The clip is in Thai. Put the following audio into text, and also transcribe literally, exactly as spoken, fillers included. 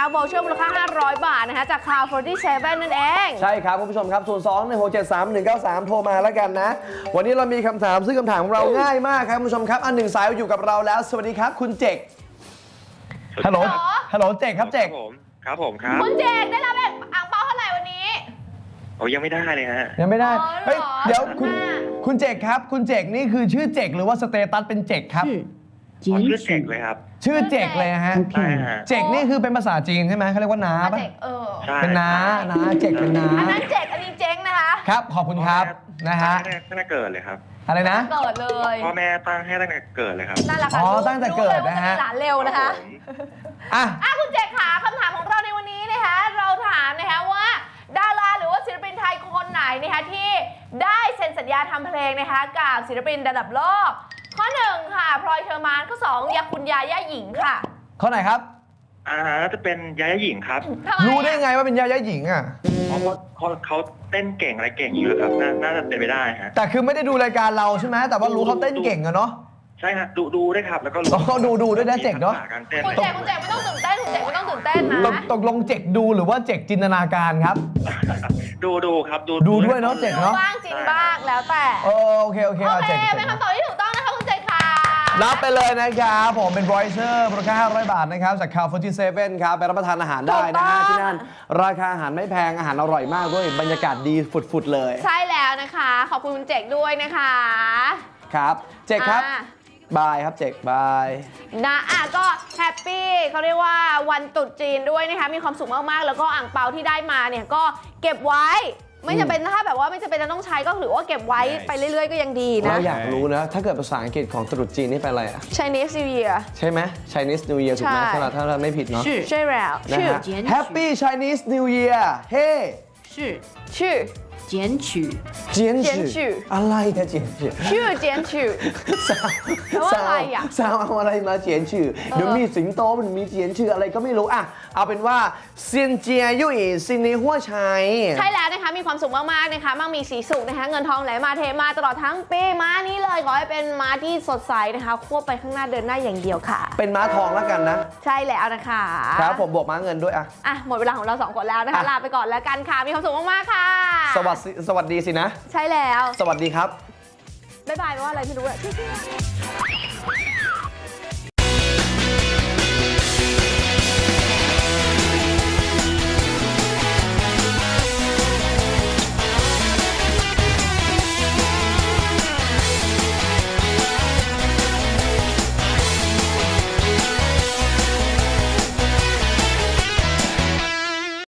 โวลเชอร์มูลค่าห้าร้อยบาทนะคะจาก คลาวด์ สี่สิบเจ็ด นั่นเองใช่ครับคุณผู้ชมครับศูนย์ สอง หนึ่ง หก เจ็ด สาม หนึ่ง เก้า สาม โทรมาแล้วกันนะวันนี้เรามีคำถามซึ่งคำถามของเราง่ายมากครับคุณผู้ชมครับอันหนึ่งสายอยู่กับเราแล้วสวัสดีครับคุณเจกฮัลโหลฮัลโหลเจกครับเจกผมครับผมครับคุณเจกได้รับอ่างเปาเท่าไหร่วันนี้โอ้ยังไม่ได้เลยฮะยังไม่ได้เฮ้ยเดี๋ยวคุณคุณเจกครับคุณเจกนี่คือชื่อเจกหรือว่าสเตตัสเป็นเจกครับชื่อเจกเลยครับชื่อเจกเลยฮะเจกนี่คือเป็นภาษาจีนใช่ไหมเขาเรียกว่าน้าป่ะเป็นน้าน้าเจกเป็นน้าอันนั้นเจกอันนี้เจ๊งนะคะครับขอบคุณครับนะฮะตั้งแต่เกิดเลยครับอะไรนะเกิดเลยพ่อแม่ตั้งให้ตั้งแต่เกิดเลยครับนั่นแหละค่ะอ๋อตั้งแต่เกิดนะฮะหลานเร็วนะคะอ่ะอ่ะคุณเจกขาคำถามของเราในวันนี้นะคะเราถามนะคะว่าดาราหรือว่าศิลปินไทยคนไหนนะคะที่ได้เซ็นสัญญาทำเพลงนะคะกับศิลปินระดับโลกข้อหนึ่งค่ะพลอยเชอร์มานข้อสองยาคุณยาย่าหญิงค่ะข้อไหนครับอ่าจะเป็นยาย่าหญิงครับรู้ได้ไงว่าเป็นยาย่าหญิงอ่ะเพราะเขาเขาเต้นเก่งอะไรเก่งอยู่ครับน่าจะเป็นไปได้ฮะแต่คือไม่ได้ดูรายการเราใช่ไหมแต่ว่ารู้เขาเต้นเก่งอะเนาะใช่ฮะดูดูได้ครับแล้วก็เขาดูดูด้วยนะเจกเนาะคุณเจกคุณเจกไม่ต้องตื่นเต้นคุณเจกไม่ต้องตื่นเต้นนะตกลงเจกดูหรือว่าเจกจินตนาการครับดูดูครับดูดูด้วยเนาะเจกเนาะบ้างจริงบ้างแล้วแต่โอเคโอเคโอเคเป็นคำตอบที่ถูกต้องนะคะคุณเจกค่ะรับไปเลยนะครับผมเป็นบรอยเชอร์มูลค่าห้าร้อยบาทนะครับจาก คลาวด์ สี่สิบเจ็ด ครับไปรับประทานอาหารได้นะฮะที่นั่นราคาอาหารไม่แพงอาหารอร่อยมากด้วยบรรยากาศดีฝุดๆเลยใช่แล้วนะคะขอบคุณคุณเจกด้วยนะคะครับเจกครับบายครับเจกบายนะอ่ะก็แฮปปี้เขาเรียกว่าวันตรุษจีนด้วยนะคะมีความสุขมากๆแล้วก็อ่างเปาที่ได้มาเนี่ยก็เก็บไว้ไม่จำเป็นถ้าแบบว่าไม่จำเป็นจะต้องใช้ก็ถือว่าเก็บไว้ไปเรื่อยๆก็ยังดีนะเราอยากรู้นะถ้าเกิดภาษาอังกฤษของตรุษจีนนี่เป็นอะไรอะ Chinese New Year ใช่ไหม Chinese New Year ถูกไหมใช่ไหมถ้าเราไม่ผิดเนาะใช่แล้วนะฮะ Happy Chinese New Year เฮ้ชื่อชื่อเจียนฉือเจียนฉืออะไรกันเจียนฉือชื่อเจียนฉือสาวอะไรอ่ะสาวเอาอะไรมาเจียนฉือเดี๋ยวมีสิงโตมันมีเจียนฉืออะไรก็ไม่รู้อ่ะเอาเป็นว่าเซียนเจียยุ่ยซินในหัวชัยใช่แล้วนะคะมีความสุขมากๆนะคะมั่งมีสีสุขนะคะเงินทองไหลมาเทมาตลอดทั้งปีม้านี้เลยขอให้เป็นม้าที่สดใสนะคะควบไปข้างหน้าเดินหน้าอย่างเดียวค่ะเป็นม้าทองแล้วกันนะใช่แล้วนะคะครับผมบวกม้าเงินด้วยอ่ะอ่ะหมดเวลาของเราสองคนแล้วนะคะลาไปก่อนแล้วกันค่ะมีความสุขมากๆค่ะสวัสดีสวัสดีสินะใช่แล้วสวัสดีครับบ๊ายบายแปลว่าอะไรไม่รู้อะ